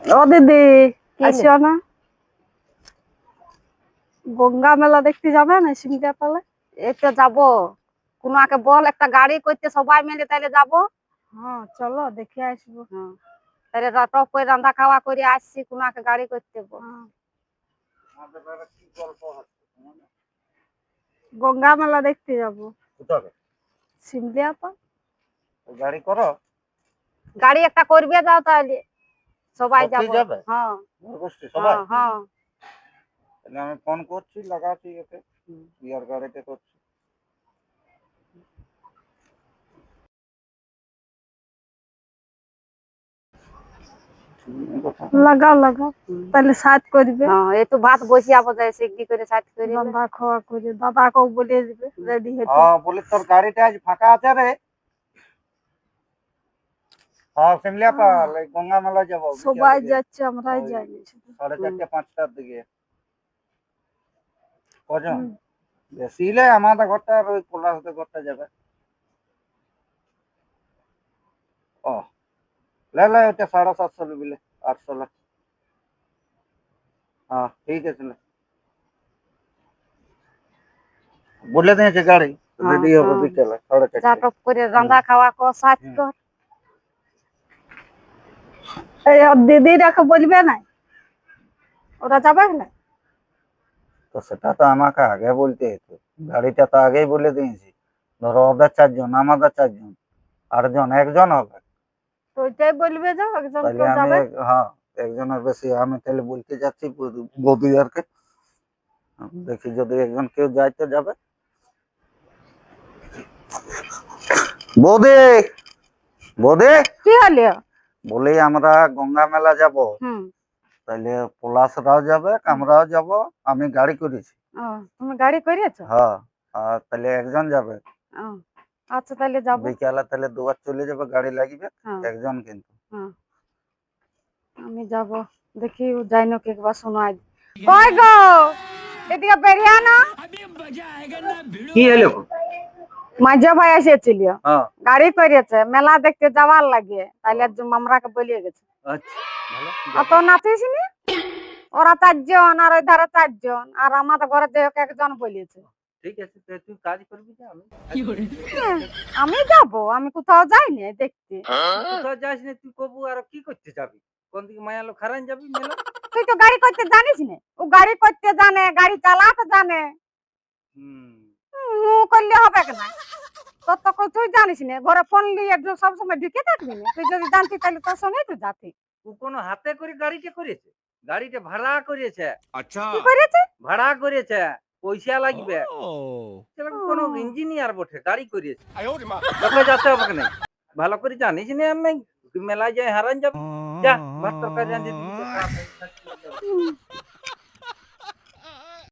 ও দিদি কি আসিও না, গঙ্গা মেলা দেখতে যাবে না সিমটা তাহলে? এই তো যাবো। কোনো আগে বল, একটা গাড়ি করতে সবাই মিলে তাইলে যাবো। হ্যাঁ চলো দেখে আসবো। হ্যাঁ, তাহলে টপ করে রান্না খাওয়া করে আসছি, কোনো একটা গাড়ি করতে বল। হ্যাঁ, গঙ্গা মেলা দেখতে যাবো কোথাকে সিমলিয়া তো। গাড়ি করো? গাড়ি একটা করবে যাও তাহলে, সবাই সত্যি যাবো। যাবে? হ্যাঁ গোষ্ঠী সবাই? হ্যাঁ হ্যাঁ। তাহলে আমি ফোন করছি, লাগাচ্ছি এতে, বিয়ার গাড়িতে করছি। লাগাও লাগাও, তাহলে সাথ করবে। হ্যাঁ, এই তো ভাত বসিয়াবো, যাই সিগনি করে সাথ করে। রান্না খাওয়া করে দাদাকেও বলে দিবে রেডি হতে। হ্যাঁ, বলি তোর গাড়িটা আজ ফাঁকা আছে রে? হ্যাঁ, সিমলিয়া পাল, এই গঙ্গা মেলা যাবো সবাই বিকেলে। যাচ্ছে, আমরাই ওই যাইনি শুধু। 4:30-5টার দিকে। কজন? হুম। বেশি হলে আমাদের ঘরটা আর ওই পলাশদের ঘরটা যাবে। ও লে ওটা 750 বিলে, 800 লে। হ্যাঁ ঠিক আছে, লে বলে দিয়েছে গাড়ি রেডি হবে বিকেলে যা 4:30। টপ করে রান্না খাওয়া কর, সাথ কর। এই ওর দিদিরাকে বলবে না, ওরা যাবে না? তো সেটা তো আমাকে আগে বলতে হতো, গাড়িটা তো আগেই বলে দিয়েছি। ধরো ওদের 4 জন, আমাদের 4 জন, 8 জন, একজন হবে। তো ওইটাই বলবে, যাও একজন তাহলে কেউ আমি যাবে। হ্যাঁ, একজনের বেশি আমি তাহলে বলতে যাচ্ছি বৌদিয়ারকে, দেখি যদি একজন কেউ যাইতে যাবে। বৌদি, বৌদি, কি হলো? বলি আমরা গঙ্গা মেলা যাব, হুম। তাহলে পলাশরাও যাবে, আমরাও যাব। আমি গাড়ি করেছি। ও, তুমি গাড়ি করেছো? হ্যাঁ, আর তাহলে একজন যাবে। ও, আচ্ছা তাহলে যাবো। বিকালে তাহলে দুবার চলে যাবে, গাড়ি লাগবে হ্যাঁ একজন কিন্তু। হ্যাঁ, আমি যাব। দেখি ও যাই না কি, একবার শোনাই। কই গো, এদিকে বেরিয়ে আনো। কি হলো? মাঝে ভাই এসেছিল, হ্যাঁ, গাড়ি করেছে, মেলা দেখতে যাওয়ার লাগে, তাহলে আমরাকে বলিয়ে গেছে। আচ্ছা ভালো। অত নাচিস নি, ওরা 4 জন আর ওই ধারে 4 জন, আর আমাদের ঘরে যে একজন বলিয়েছে। ঠিক আছে, তো তুই কাজ করবি যে আমি হ্যাঁ, আমি যাব, আমি কোথাও যাইনি দেখতে। কোথাও যাস না তুই, কবু আর কি করতে যাবি? কোন দিকে মায়া লোক হারান যাবি মেলা? তুই তো গাড়ি করতে জানিস না, ও গাড়ি করতে জানে, গাড়ি চালাতে জানে। হুম, করলে হবে না, তোর তো তুই জানিস না, ঘরে ফোন নিয়ে সবসময় ঢুকে থাকবি না। তুই যদি জানতি তাহলে তোর সঙ্গেই তো যাতি। ও কোনো হাতে করে গাড়িটা করেছে? গাড়িটা ভাড়া করেছে। কি করেছে? ভাড়া করেছে, পয়সা লাগবে। সেটা ও, কোনো ইঞ্জিনিয়ার বটে, গাড়ি করেছে। তোকে যেতে হবে না, ভালো করে জানিস না আমি, তুই মেলায় যাই হারান যাবি। যা, ভাত তরকারি রাঁধে দিবি,